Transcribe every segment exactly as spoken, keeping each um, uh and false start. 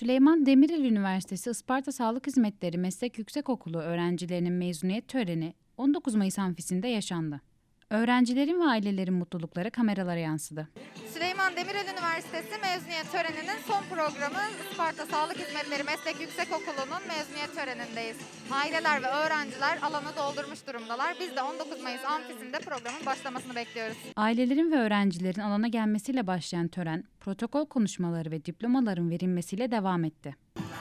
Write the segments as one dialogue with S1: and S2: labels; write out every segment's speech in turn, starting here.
S1: Süleyman Demirel Üniversitesi Isparta Sağlık Hizmetleri Meslek Yüksekokulu öğrencilerinin mezuniyet töreni on dokuz Mayıs amfisinde yaşandı. Öğrencilerin ve ailelerin mutlulukları kameralara yansıdı.
S2: Süleyman Demirel Üniversitesi mezuniyet töreninin son programı Isparta Sağlık Hizmetleri Meslek Yüksekokulu'nun mezuniyet törenindeyiz. Aileler ve öğrenciler alanı doldurmuş durumdalar. Biz de on dokuz Mayıs amfisinde programın başlamasını bekliyoruz.
S1: Ailelerin ve öğrencilerin alana gelmesiyle başlayan tören, protokol konuşmaları ve diplomaların verilmesiyle devam etti.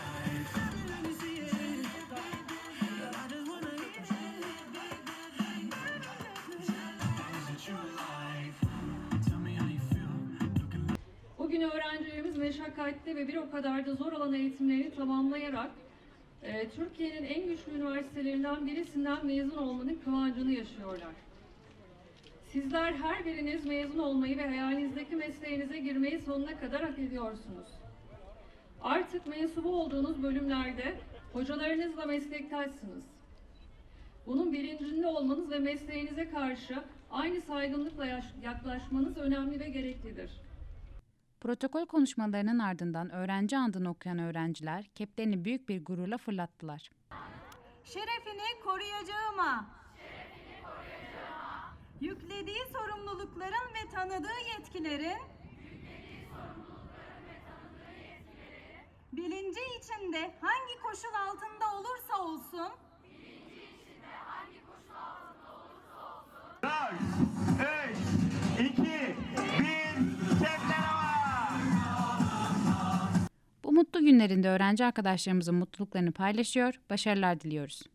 S3: Bugün öğrencilerimiz meşakkatli ve bir o kadar da zor olan eğitimlerini tamamlayarak e, Türkiye'nin en güçlü üniversitelerinden birisinden mezun olmanın kıvancını yaşıyorlar. Sizler her biriniz mezun olmayı ve hayalinizdeki mesleğinize girmeyi sonuna kadar hak ediyorsunuz. Artık mensubu olduğunuz bölümlerde hocalarınızla meslektaşsınız. Bunun bilincinde olmanız ve mesleğinize karşı aynı saygınlıkla yaklaşmanız önemli ve gereklidir.
S1: Protokol konuşmalarının ardından öğrenci andını okuyan öğrenciler keplerini büyük bir gururla fırlattılar.
S4: Şerefini koruyacağıma, Şerefini koruyacağıma. Yüklediği sorumlulukların ve tanıdığı yetkilerin, yüklediği sorumlulukların ve tanıdığı yetkilerin bilinci içinde hangi koşul altında olursa olsun, bilinci içinde hangi koşul altında olursa olsun,
S5: dört, üç, iki, bir, kepler hava!
S1: Bu mutlu günlerinde öğrenci arkadaşlarımızın mutluluklarını paylaşıyor, başarılar diliyoruz.